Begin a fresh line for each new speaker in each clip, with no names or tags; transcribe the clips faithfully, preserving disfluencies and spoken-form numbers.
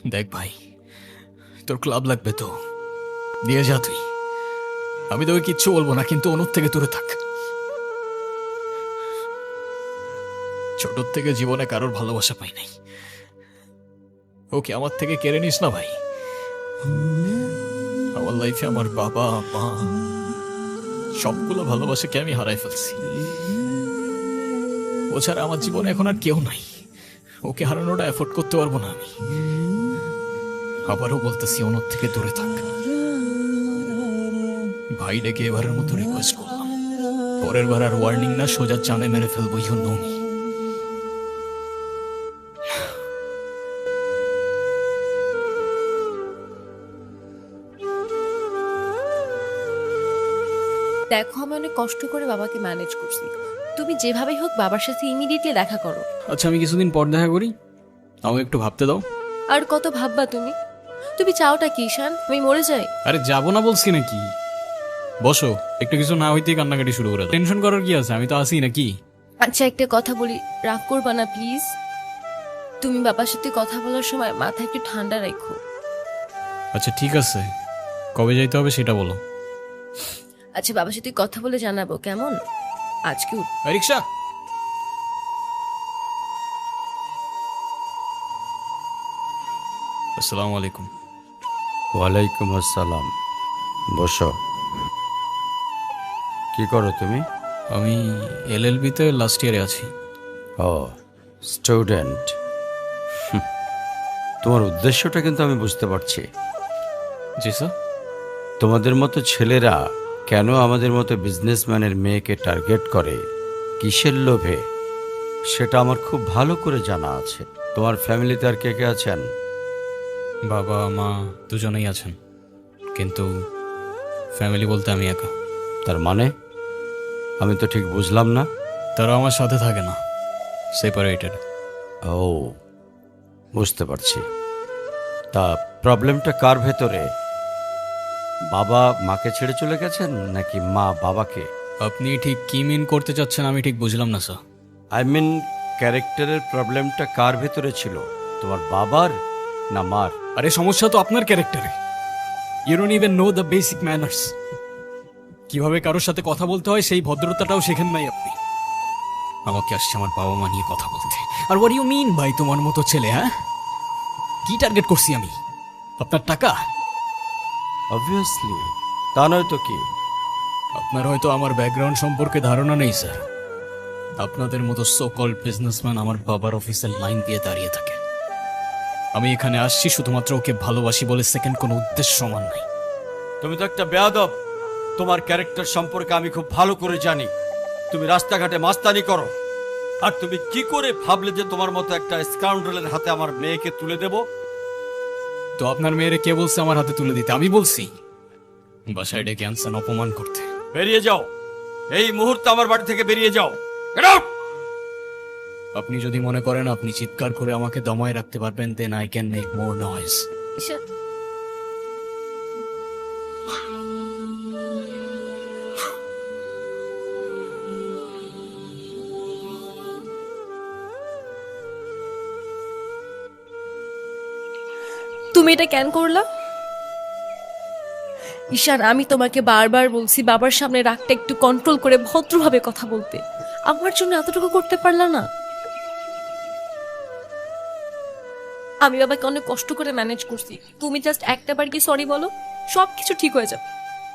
দেখ ভাই, তোর ক্লাব লাগবে তো দিয়ে যা তুই। আমি তোকে কিচ্ছু বলবো না, কিন্তু অনুর থেকে দূরে থাক। ছোট থেকে জীবনে কারোর ভালোবাসা পাই নাই, ওকে আমার থেকে কেড়ে নিস না ভাই। আমার লাইফে আমার বাবা মা সবগুলো ভালোবাসাকে আমি হারাই ফেলছি। ও ছাড়া আমার জীবনে এখন আর কেউ নাই। ওকে হারানোটা এফোর্ড করতে পারবো না আমি। আবারও বলতেছি, অনুর থেকে দূরে থাক ভাই। ডেকে এবারের মতো রিকোয়েস্ট করলাম, পরের বার আর ওয়ার্নিং না, সোজা চানে মেরে ফেলবো। You know me.
দেখো, আমি অনেক কষ্ট করে বাবাকে ম্যানেজ করছি। তুমি যেভাবেই হোক বাবার সাথে ইমিডিয়েটলি দেখা করো।
আচ্ছা, আমি কিছুদিন পর দেখা করি, আমাকে একটু ভাবতে দাও।
আর কত ভাববা তুমি? তুমি চাওটা কি ঈশান? আমি মরে যাই?
আরে যাবো না বলছি নাকি? বসো, একটু কিছু না হইতেই কান্নাকাটি শুরু করে দাও। টেনশন করার কি আছে, আমি তো আসি নাকি।
আচ্ছা, একটা কথা বলি, রাগ করবা না প্লিজ। তুমি বাবার সাথে কথা বলার সময় মাথা একটু ঠান্ডা রাখো।
আচ্ছা ঠিক আছে, কবে যাইতে হবে সেটা বলো।
আচ্ছা, বাবার সাথে কথা বলে জানাবো কেমন? আজকে উঠ-
এই রিক্সা। আসসালামু আলাইকুম।
ওয়ালাইকুম আসসালাম। বসো। কি করো তুমি?
আমি এলএলবিতে লাস্ট ইয়ারে আছি।
ও, স্টুডেন্ট। তোমার উদ্দেশ্যটা কিন্তু আমি বুঝতে পারছি।
জি স্যার।
তোমাদের মতো ছেলেরা কেন আমাদের মতো বিজনেসম্যানের মেয়েকে টার্গেট করে, কিসের লোভে, সেটা আমার খুব ভালো করে জানা আছে। তোমার ফ্যামিলিতে আর কে কে আছেন?
বাবা মা দুজনেই আছেন, কিন্তু ফ্যামিলি বলতে আমি একা।
তার মানে আমি তো ঠিক বুঝলাম না।
তারা আমার সাথে থাকে না, সেপারেটেড।
ও, বুঝতে পারছি। তা প্রবলেমটা কার ভেতরে? বাবা মাকে ছেড়ে চলে গেছেন নাকি মা বাবাকে?
আপনি ঠিক কি মিন করতে চাচ্ছেন আমি ঠিক বুঝলাম না স্যার।
আই মিন, ক্যারেক্টারের প্রবলেমটা কার ভেতরে ছিল, তোমার বাবার না মার?
আরে সমস্যা তো আপনার ক্যারেক্টারে। You don't even know the basic manners. কিভাবে কারোর সাথে কথা বলতে হয় সেই ভদ্রতাটাও শেখেন নাই আপনি। আমাকে আসছে আমার বাবা মা নিয়ে কথা বলতে। আর হোয়াট ইউ মিন ভাই, তোমার মতো ছেলে? হ্যাঁ, কি টার্গেট করছি আমি? আপনার টাকা?
অবভিয়াসলি, তা নয় তো কি।
আপনার হয়তো আমার ব্যাকগ্রাউন্ড সম্পর্কে ধারণা নেই স্যার। আপনাদের মতো সো কল্ড বিজনেসম্যান আমার বাবার অফিসের লাইন দিয়ে দাঁড়িয়ে থাকে। আমি এখানে আসছি শুধুমাত্র ওকে ভালোবাসি বলে, সেকেন্ড কোনো উদ্দেশ্য সমান নাই।
তুমি তো একটা বেয়াদব। তোমার ক্যারেক্টার সম্পর্কে আমি খুব ভালো করে জানি। তুমি রাস্তাঘাটে মাস্তানি করো, আর তুমি কি করে ভাবলে যে তোমার মতো একটা স্কাউন্ডারের হাতে আমার মেয়েকে তুলে দেব?
তো আপনার মেয়েরে কে বলছে আমার হাতে তুলে দিতে? আমি বলছি? বাসায় ডেকে আনছেন অপমান করতে।
বেরিয়ে যাও, এই মুহূর্তে আমার বাড়ি থেকে বেরিয়ে যাও। Get out!
আপনি যদি মনে করেন আপনি চিৎকার করে আমাকে দমায় রাখতে পারবেন, then I can make more noise.
Ishan, তুমি এটা কেন করলা? ঈশান, আমি তোমাকে বারবার বলছি বাবার সামনে রাগটা একটু কন্ট্রোল করে ভদ্রভাবে কথা বলতে। আমার জন্য এতটুকু করতে পারলা না? আমি বাবাকে অনেক কষ্ট করে ম্যানেজ করছি। তুমি জাস্ট একটা বার কি সরি বলো, সব কিছু ঠিক হয়ে যাবে।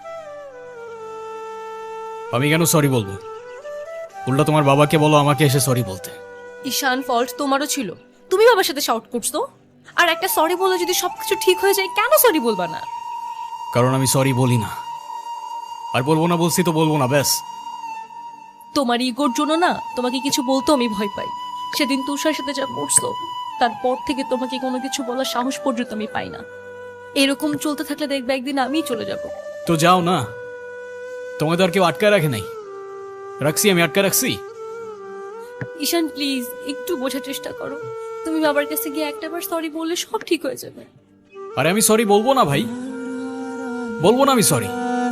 আমি কেন সরি বলবো? উল্টা তোমার বাবাকে বলো আমাকে এসে সরি বলতে।
ঈশান, ফল্ট তোমারও ছিল। তুমি বাবার সাথে শাউট করছো, আর একটা সরি বলে যদি সবকিছু ঠিক হয়ে যায়, কেন সরি বলবা না?
কারণ আমি সরি বলি না, আর বলবো না। বলছি তো বলবো না, ব্যাস।
তোমার ইগোর জন্য না তোমাকে কিছু বলতেও আমি ভয় পাই। সেদিন তুষার সাথে যা করছো, তারপর থেকে তোমাকে কোনো কিছু বলার সাহস পর্যন্ত আমি পাই না। এরকম চলতে থাকলে দেখবে একদিন আমিই চলে যাব।
তো যাও না, তোমাকে তো আর কেউ আটকায় রাখে নাই। রাখছি, আমি আটকায় রাখছি।
ঈশান প্লিজ, একটু বোঝার চেষ্টা করো। তুমি বাবার কাছে গিয়ে একটাবার সরি বললে সব ঠিক হয়ে যাবে।
আরে আমি সরি বলবো না ভাই, বলবো না আমি সরি।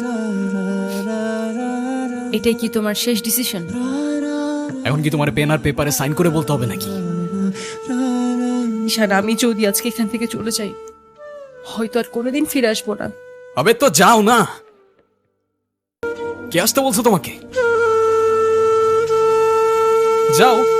এটাই কি তোমার শেষ ডিসিশন?
এখন কি তোমার পেন আর পেপারে সাইন করে বলতে হবে নাকি?
ঈশান, আমি যদি আজকে এখান থেকে চলে যাই হয়তো আর কোনোদিন ফিরে আসবো না।
আবে তো যাও না, কে আসতে বলছো তোমাকে? যাও।